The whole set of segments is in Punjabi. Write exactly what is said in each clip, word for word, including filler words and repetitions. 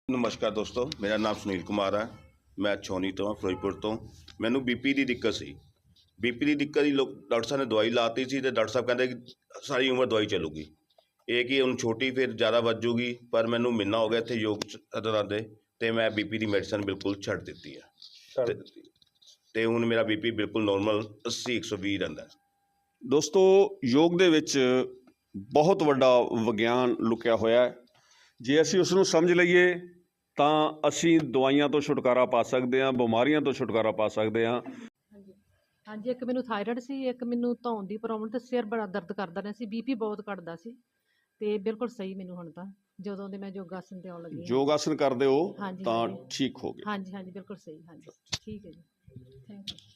नमस्कार दोस्तों, मेरा नाम सुनील कुमार है। मैं छौनी तो फिरोजपुर तो मैनू बीपी की दिक्कत सी। बीपी की दिक्कत ही लोग डॉक्टर साहब ने दवाई लाती सी ते डॉक्टर साहब कहते कि सारी उम्र दवाई चलूगी, ये कि हुण छोटी फिर ज़्यादा वजूगी। पर मैनू महीना हो गया इत्थे योग करांदे ते मैं बीपी की मैडिसन बिल्कुल छड्ड दित्ती है ਛੱਡ ते ਦਿੱਤੀ। ते हुण मेरा बीपी बिल्कुल नॉर्मल अस्सी एक सौ बीस रहिंदा है। ਦੋਸਤੋ ਯੋਗ ਦੇ ਵਿੱਚ ਬਹੁਤ ਵੱਡਾ ਵਿਗਿਆਨ ਲੁਕਿਆ ਹੋਇਆ ਹੈ। ਜੇ ਅਸੀਂ ਉਸ ਨੂੰ ਸਮਝ ਲਈਏ ਤਾਂ ਅਸੀਂ ਦਵਾਈਆਂ ਤੋਂ ਛੁਟਕਾਰਾ ਪਾ ਸਕਦੇ ਹਾਂ, ਬਿਮਾਰੀਆਂ ਤੋਂ ਛੁਟਕਾਰਾ ਪਾ ਸਕਦੇ ਹਾਂ। ਹਾਂਜੀ ਹਾਂਜੀ ਇੱਕ ਮੈਨੂੰ ਥਾਇਰਾਇਡ ਸੀ, ਇੱਕ ਮੈਨੂੰ ਧੌਣ ਦੀ ਪ੍ਰੋਬਲਮ ਤੇ ਸਿਰ ਬੜਾ ਦਰਦ ਕਰਦਾ ਰਿਹਾ ਸੀ, ਬੀਪੀ ਬਹੁਤ ਘਟਦਾ ਸੀ ਤੇ ਬਿਲਕੁਲ ਸਹੀ ਮੈਨੂੰ ਹੁਣ ਤਾਂ ਜਦੋਂ ਦੇ ਮੈਂ ਯੋਗਾਸਨ ਤੇ ਆਉਣ ਲੱਗੀ ਹਾਂ। ਯੋਗ ਆਸਨ ਕਰਦੇ ਹੋ ਹਾਂਜੀ ਤਾਂ ਹਾਂਜੀ ਠੀਕ ਹੋ ਗਏ। ਹਾਂਜੀ ਹਾਂਜੀ ਬਿਲਕੁਲ ਸਹੀ। ਹਾਂਜੀ ਠੀਕ ਹੈ ਜੀ, ਥੈਂਕ ਯੂ।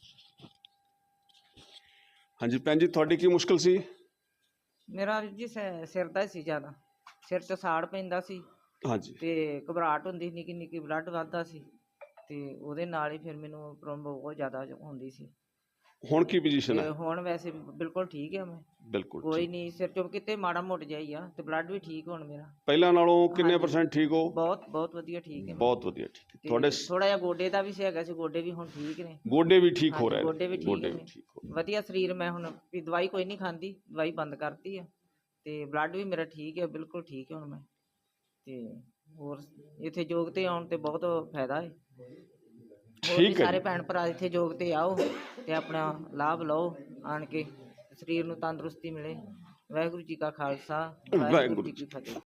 ਹਾਂਜੀ ਭੈਣ ਜੀ, ਤੁਹਾਡੀ ਕੀ ਮੁਸ਼ਕਲ ਸੀ? ਮੇਰਾ ਵੀਰ ਜੀ ਸਿ- ਸਿਰ ਦਾ ਹੀ ਸੀ ਜ਼ਿਆਦਾ, ਸਿਰ 'ਚ ਸਾੜ ਪੈਂਦਾ ਸੀ ਹਾਂਜੀ, ਤੇ ਘਬਰਾਹਟ ਹੁੰਦੀ ਸੀ, ਨਿੱਕੀ ਨਿੱਕੀ ਬਲੱਡ ਵੱਧਦਾ ਸੀ ਤੇ ਉਹਦੇ ਨਾਲ ਹੀ ਫਿਰ ਮੈਨੂੰ ਪ੍ਰੋਬਲਮ ਬਹੁਤ ਜ਼ਿਆਦਾ ਹੁੰਦੀ ਸੀ। ਹੁਣ ਕੀ ਪੋਜੀਸ਼ਨ ਤੇ ਹੈ? ਹੁਣ ਵੈਸੇ ਬਿਲਕੁਲ ਠੀਕ ਹੈ, ਮੈਂ ਬਿਲਕੁਲ ਕੋਈ ਠੀਕ। ਨਹੀਂ, ਸਿਰ 'ਚੋਂ ਕਿਤੇ ਮਾੜਾ ਮੋਟ ਜਾਈ ਆ ਤੇ ਬਲੱਡ ਵੀ ਠੀਕ ਹੁਣ ਮੇਰਾ ਪਹਿਲਾਂ ਨਾਲੋਂ ਕਿੰਨੇ ਹਾਂਜੀ। ਪਰਸੈਂਟ ਠੀਕ ਹੋ? ਬਹੁਤ ਬਹੁਤ ਵਧੀਆ ਠੀਕ ਹੈ। ਬਹੁਤ ਵਧੀਆ ਠੀਕ ਹੈ। ਤੁਹਾਡੇ ਸ- ਥੋੜਾ ਜਿਹਾ ਗੋਡੇ ਦਾ ਵੀ ਸੀ ਹੈਗਾ ਸੀ, ਗੋਡੇ ਵੀ ਹੁਣ ਠੀਕ ਨੇ। ਗੋਡੇ ਵੀ ਠੀਕ ਹੋ ਹਾਂਜੀ, ਰਹੇ ਨੇ? ਗੋਡੇ ਵੀ ਠੀਕ ਗੋਡੇ ਵੀ ਨੇ। ਠੀਕ ਹੋ ਰਹੇ। ਵਧੀਆ ਸਰੀਰ, ਮੈਂ ਹੁਣ ਵੀ ਦਵਾਈ ਕੋਈ ਨਹੀਂ ਖਾਂਦੀ, ਦਵਾਈ ਬੰਦ ਕਰਤੀ ਆ ਤੇ ਬਲੱਡ ਵੀ ਮੇਰਾ ਠੀਕ ਹੈ, ਬਿਲਕੁਲ ਠੀਕ ਹੈ ਹੁਣ ਮੈਂ। ਤੇ ਹੋਰ ਇੱਥੇ ਯੋਗ ਤੇ ਆਉਣ ਤੇ ਬਹੁਤ ਫਾਇਦਾ ਹੈ। ਹੋਰ ਵੀ ਠੀਕ ਹੈ ਸਾਰੇ ਜੀ। ਭੈਣ ਭਰਾ ਇੱਥੇ ਯੋਗ ਤੇ ਆਓ ਤੇ ਆਪਣਾ ਲਾਭ ਲਓ ਆਣ ਕੇ, ਸਰੀਰ ਨੂੰ ਤੰਦਰੁਸਤੀ ਮਿਲੇ। ਵਾਹਿਗੁਰੂ ਜੀ ਕਾ ਖਾਲਸਾ, ਵਾਹਿਗੁਰੂ ਜੀ ਕੀ ਫਤਿਹ।